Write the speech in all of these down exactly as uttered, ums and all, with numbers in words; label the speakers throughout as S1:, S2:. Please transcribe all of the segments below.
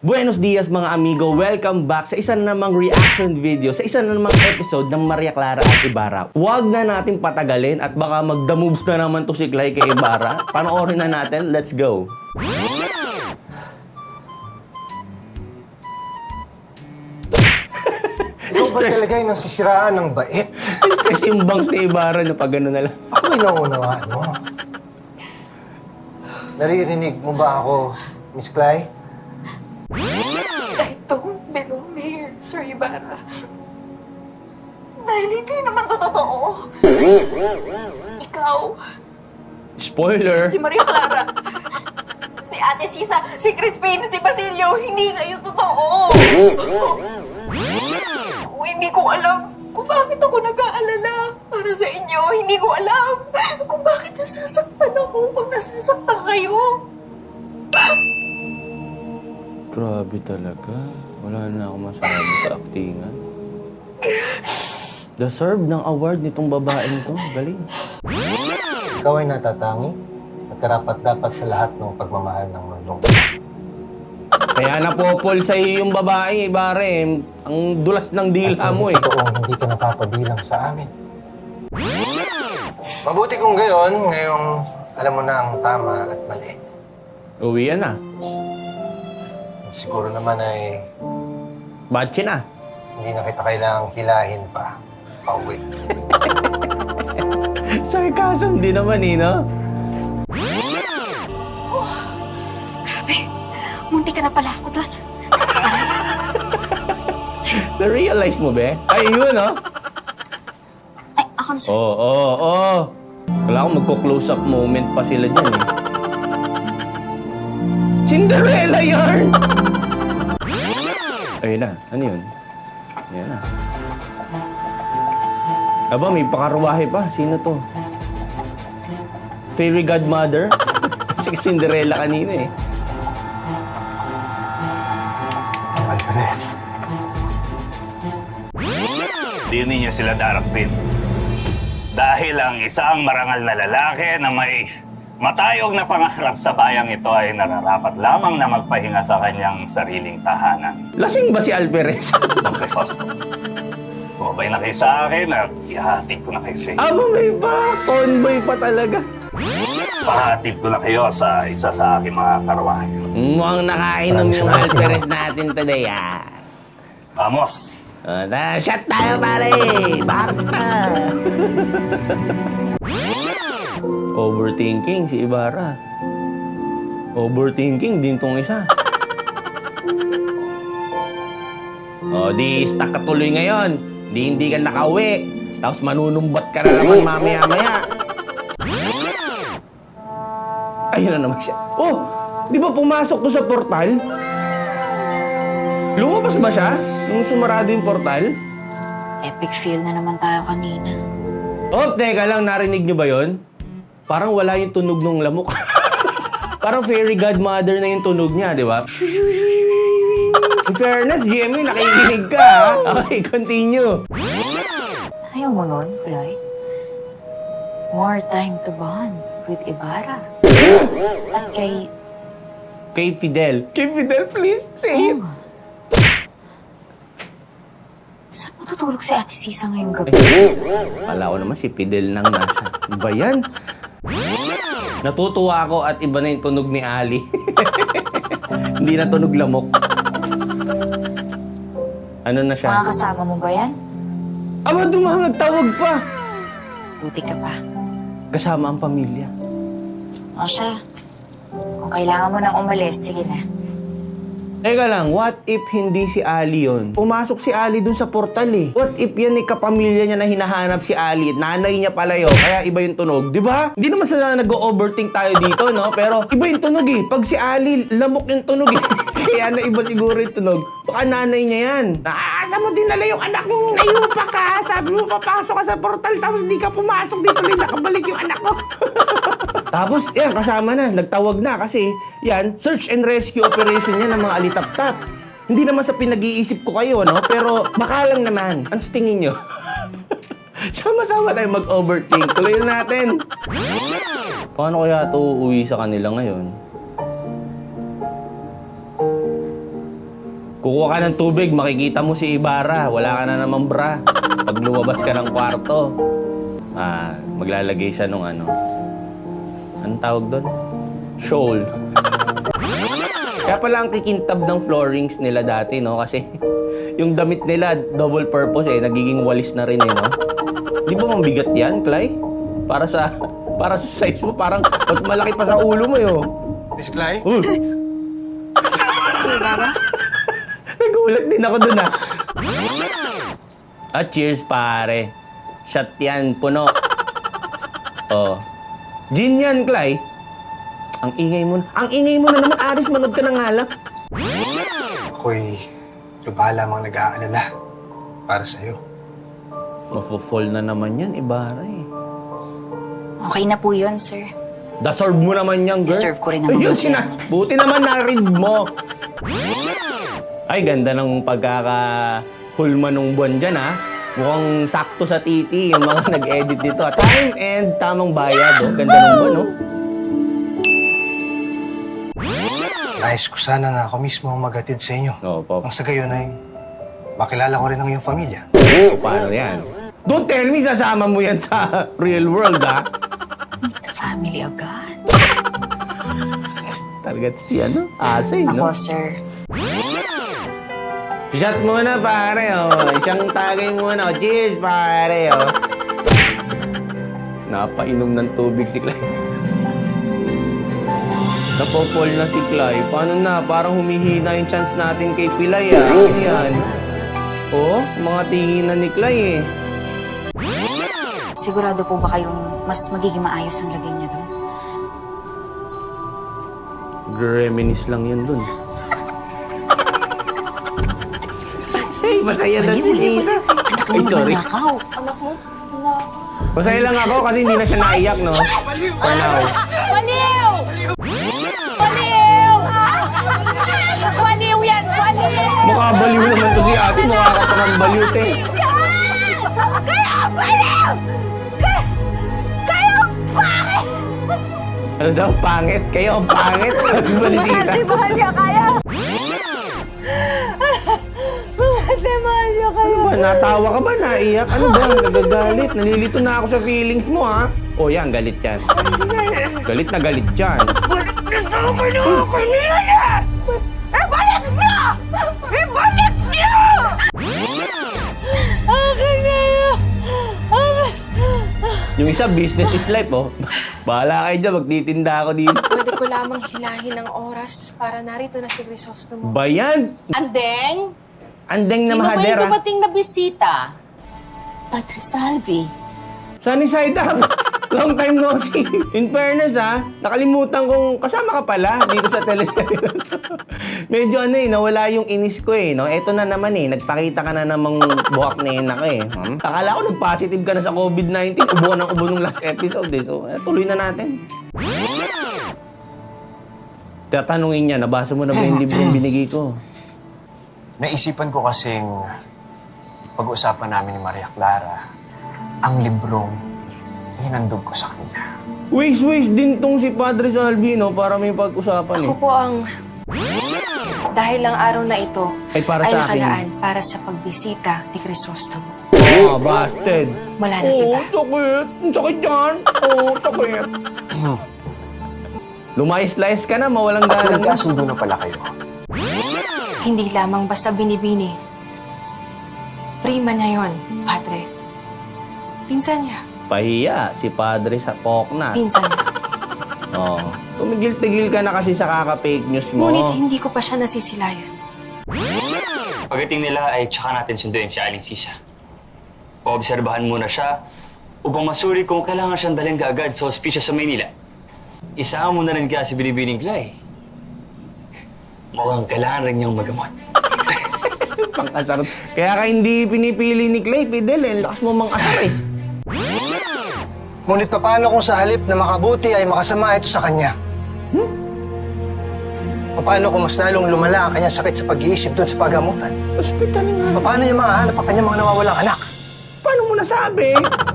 S1: Buenos dias mga amigo, welcome back sa isa na namang reaction video, sa isa na namang episode ng Maria Clara at Ibarra. Huwag na natin patagalin at baka magda moves na naman to si Clay kay Ibarra. Panoorin na natin, let's go!
S2: Ikaw ba talaga yung nasisiraan ng bait?
S1: Stress yung bangs ni Ibarra na pag gano'n na lang.
S2: Ako may naunawaan mo. Naririnig mo ba ako, Miss Clay?
S3: I don't belong here, Sir Ibarra. Dahil hindi naman to totoo. Ikaw,
S1: Spoiler!
S3: si Maria Clara, si Ate Sisa, si Crispin, si Basilio, hindi kayo totoo. Kung hindi ko alam kung bakit ako nag-aalala para sa inyo, hindi ko alam kung bakit nasasaktan ako pag nasasaktan kayo.
S1: Grabe talaga. Wala na akong masabi sa aktingan. Deserve ng award nitong babaeng to. Galing.
S2: Ikaw ay natatangi at karapat-dapat sa lahat ng pagmamahal ng mundo.
S1: Kaya napopol sa iyo yung babae, Ibarra eh. Ang dulas ng dila mo eh.
S2: At totoong hindi ka napapabilang sa amin. Mabuti kung gayon, ngayong alam mo na ang tama at mali.
S1: Uwi yan na.
S2: Siguro naman ay
S1: Batche na.
S2: hindi na kita kailangang hilahin pa. Pauwi.
S1: Sarcasm din naman eh, no?
S3: Grabe, munti ka na pala ako doon.
S1: Na-realize mo, be? Ay, yun, no?
S3: Ay, ako na, sir.
S1: Oo, oo, oo. Wala akong magko-close up moment pa sila dyan, eh. Cinderella yarn! Ayun na. Ano yun? Ayan na. Aba, may pakaruwahe pa. Sino to? Fairy Godmother? Si Cinderella kanina, eh.
S2: Alfred.
S4: Di ninyo sila darapin. Dahil ang isang marangal na lalaki na may matayog na pangarap sa bayang ito ay nararapat lamang na magpahinga sa kanyang sariling tahanan.
S1: Lasing ba si Alperez?
S4: Don Crisostomo, sumabay na kayo sa akin at ihahatid ko na kayo sa inyo.
S1: Aba, may ba? Convoy pa talaga.
S4: Pahatid ko na kayo sa isa sa aking mga karwahe.
S1: Mukhang nakainom yung Alperez natin today, ah.
S4: Vamos!
S1: Uh, na, shot tayo, pare! Barta! Overthinking si Ibarra. Overthinking din tong isa. O, di stuck ka tuloy ngayon. Di hindi ka nakauwi. Tapos manunumbat ka na naman mamaya-maya. Ayun na naman siya. Oh! Di ba pumasok to sa portal? Lumabas ba siya? Nung sumarado yung portal?
S3: Epic fail na naman tayo kanina.
S1: Oh, teka lang, narinig nyo ba yon? Parang wala yung tunog ng lamok. Parang fairy godmother na yung tunog niya, di ba? In fairness, G M A, nakikinig ka, ha? Okay, continue.
S3: Ayaw mo nun, Floyd? More time to bond with Ibarra. At kay...
S1: Kay Fidel. Kay Fidel, please, say it.
S3: Oh. Saan matutulog si Ate Sisa ngayong gabi?
S1: Kala ko naman si Fidel nang nasa. Ba yan? Natutuwa ako at iba na yung tunog ni Ali. Hindi na tunog lamok. Ano na siya?
S3: Mga kasama mo ba yan?
S1: Aba, dumamag tawag pa.
S3: Buti ka pa.
S1: Kasama ang pamilya.
S3: O siya, kung kailangan mo nang umalis, sige na.
S1: Teka lang, what if hindi si Ali yun? Pumasok si Ali dun sa portal eh. What if yan ay kapamilya niya na hinahanap si Ali? Nanay niya pala yun, kaya iba yung tunog. Di ba? Hindi naman sana nag-overthink tayo dito, no? Pero iba yung tunog eh. Pag si Ali, lamok yung tunog eh. Kaya na iba siguro yung tunog. Baka nanay niya yan. Naaasa mo dinala yung anak mong nayupa ka. Sabi mo, papasok ka sa portal, tapos di ka pumasok dito rin, nakabalik yung anak ko. Tapos, yan, kasama na. Nagtawag na kasi, yan, search and rescue operation yan ng mga alitap-tap. Hindi naman sa pinag-iisip ko kayo, no? Pero, baka lang naman. Ano sa tingin nyo? Sama-sama tayo mag-overthink. Tuloy na natin. Paano kaya ito uuwi sa kanila ngayon? Kukuha ka ng tubig, makikita mo si Ibarra. Wala ka na namang bra. Pag lumabas ka ng kwarto, ah, maglalagay siya nung ano. Anong tawag doon? Shawl. Kaya pala ang kikintab ng floorings nila dati, no? Kasi yung damit nila, double purpose eh. Nagiging walis na rin eh, no? Di ba mabigat yan, Clay? Para sa para sa size mo, parang mas malaki pa sa ulo mo, yo.
S2: Miss Clay?
S1: Uh.
S3: Sino ba?
S1: Nagulat din ako dun, ah. Ah, cheers, pare. Shot yan, puno. Oh. Gin yan, Clay. Ang ingay mo na. Ang ingay mo na naman, Aris, manood ka ng alak.
S2: Ako'y lubha lamang nag-aalala para sa'yo.
S1: Mafo-fall na naman yan, Ibarra eh.
S5: Okay na po yun, sir.
S1: Deserve mo naman yan, girl.
S5: Deserve ko rin naman
S1: Ayun,
S5: yun, sir.
S1: sina- Buti naman na-read mo. Ay, ganda ng pagkaka-hulma nung buwan dyan, ha? Mukhang sakto sa titi yung mga nag-edit dito. ah. Time and tamang bayad, oh. Ganda ng buwan, oh.
S2: Nais ko sana na ako mismo ang maghatid sa inyo.
S1: Oo, Pop.
S2: Ang sa gayon ay makilala ko rin ang iyong pamilya.
S1: Paano yan? Don't tell me sasama mo yan sa real world, ha?
S5: The family of God.
S1: Talaga si ano? Asay, no?
S5: Ako, sir.
S1: Shot muna, pare, oh. Isang tagay muna, oh. Cheers, pare, oh. Napainom ng tubig si Clay. Napopol na si Clay. Paano na? Parang humihina yung chance natin kay Pilay, ah. Ayan. Oh, mga tinginan ni Clay, eh.
S5: Sigurado po ba kayong mas magiging maayos ang lagay niya doon?
S1: Reminis lang yun dun. Hey, masaya na si Nina. Ay, sorry.
S5: Nakaw.
S3: Anak mo?
S1: Masaya lang ako kasi hindi na siya naiyak, no? For now.
S3: Baliw! Baliw! Baliw yan! Baliw!
S1: Mukha baliw naman to si ate. Mukha ka pa ng baliw, te.
S3: Kaya baliw! Kaya... Kaya pangit!
S1: Ano daw, pangit? Kayo ang pangit? Sabi ba ni tita?
S3: Mahal niya kaya! Mahal niya kaya!
S1: Ano ba? Natawa ka ba? Naiyak? Ano ba? Nagagalit? Nalilito na ako sa feelings mo, ha? O yan, galit yan. Galit na galit yan.
S3: Balik na sa akin ako kanina na! Ibalik niyo! Ibalik niyo! Akin na yun!
S1: Yung isa, business is life, oh. Bahala kayo dyan, magtitinda ako dito.
S6: Pwede ko lamang hilahin ang oras para narito na si Crisostomo.
S1: Bayan!
S7: Andeng?
S1: Andeng na
S7: Sino ba yung
S1: mahadera.
S7: dumating na bisita?
S6: Padre Salvi,
S1: Sunny side up. Long time no see. In fairness, ha, nakalimutan kong kasama ka pala dito sa teleserye. Medyo ano eh, nawala yung inis ko eh. No? Eto na naman eh, nagpakita ka na namang buhak na yun ako eh. Hmm? Akala ko nag-positive ka na sa COVID nineteen. Ubo ng ubo nung last episode eh. So, eh, tuloy na natin. Tatanungin niya, nabasa mo na ba yung librong binigay ko?
S8: Naisipan ko kasing pag-usapan namin ni Maria Clara ang librong hinandog ko sa kanya.
S1: Waste-waste din tong si Padre Salvino para may pag-usapan eh.
S6: ako po ang... Dahil ang araw na ito
S1: Ay, para
S6: ay
S1: sa akin.
S6: nakalaan para sa pagbisita ni Crisostomo.
S1: Ah, busted.
S6: Wala na
S1: Oo,
S6: iba.
S1: sakit. Ang sakit yan. Oo, sakit. Lumayas-layas ka na, mawalang galang na.
S8: Nagkasundo na pala kayo.
S6: Hindi lamang basta binibini. Prima niya yon, Padre. Pinsan niya.
S1: Pahiya si Padre sa pokna.
S6: Pinsan niya.
S1: Oo. Tumigil-tigil ka na kasi sa kaka-fake news mo.
S6: Ngunit hindi ko pa siya nasisilayan.
S9: Pagdating nila ay tsaka natin sunduin si Aling Sisa. Paobserbahan muna siya upang masuri kung kailangan siyang dalhin kaagad sa ospisyal sa Maynila. Isama mo na rin kaya si Binibining Clay. Mukhang kailangan rin niyang magamot.
S1: Pang-asar. Kaya ka hindi pinipili ni Clay, Fidel eh. Lakas mo mang-asar eh.
S2: Ngunit paano kung sa halip na makabuti ay makasama ito sa kanya? Hmm? Paano kung mas lalong lumala ang kanyang sakit sa pag-iisip doon sa paggamutan?
S1: Hospital nga.
S2: Paano niya mahanap ang kanyang mga nawawalang anak?
S1: Paano mo nasabi?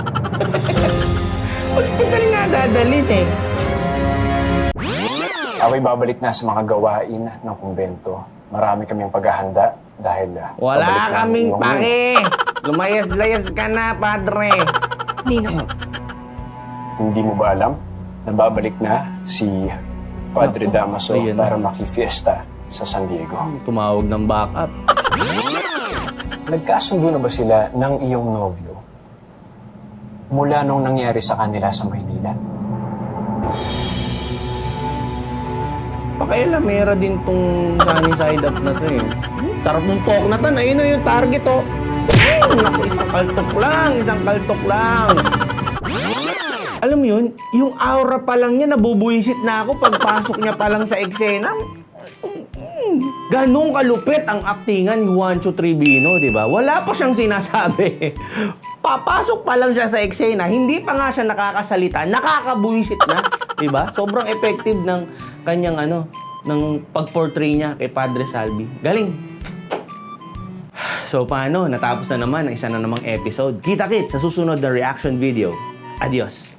S1: Hospital nga dadalhin eh.
S8: Ako'y babalik na sa mga gawain ng kumbento marami kaming paghahanda dahil ah,
S1: Wala
S8: pabalik na ang
S1: kaming
S8: iyong-
S1: pake. Lumayas-layas ka na, padre.
S6: Nino,
S8: Hindi mo ba alam na babalik na si Padre
S1: Naku,
S8: Damaso
S1: ayan na.
S8: para makifiesta sa San Diego?
S1: Tumawag ng backup.
S8: Nagkasundo na ba sila ng iyong nobyo mula nung nangyari sa kanila sa Maynila?
S1: Pakailamera din tong sunny side up na to eh. Hmm, sarap nung talk na to. Ayun na yung target oh. Hmm, naku, isang kaltok lang. Isang kaltok lang. Alam mo yun, yung aura pa lang niya, nabubuisit na ako pagpasok niya pa lang sa eksena. Hmm, ganong kalupit ang aktingan ni Juancho Tribino, di ba? Wala pa siyang sinasabi. Papasok pa lang siya sa eksena, hindi pa nga siya nakakasalita, nakakabuisit na, di ba? Sobrang effective ng kanyang ano, ng pag-portray niya kay Padre Salvi. Galing. So paano? Natapos na naman ang isa na namang episode. Kita-kit sa susunod na reaction video. Adios.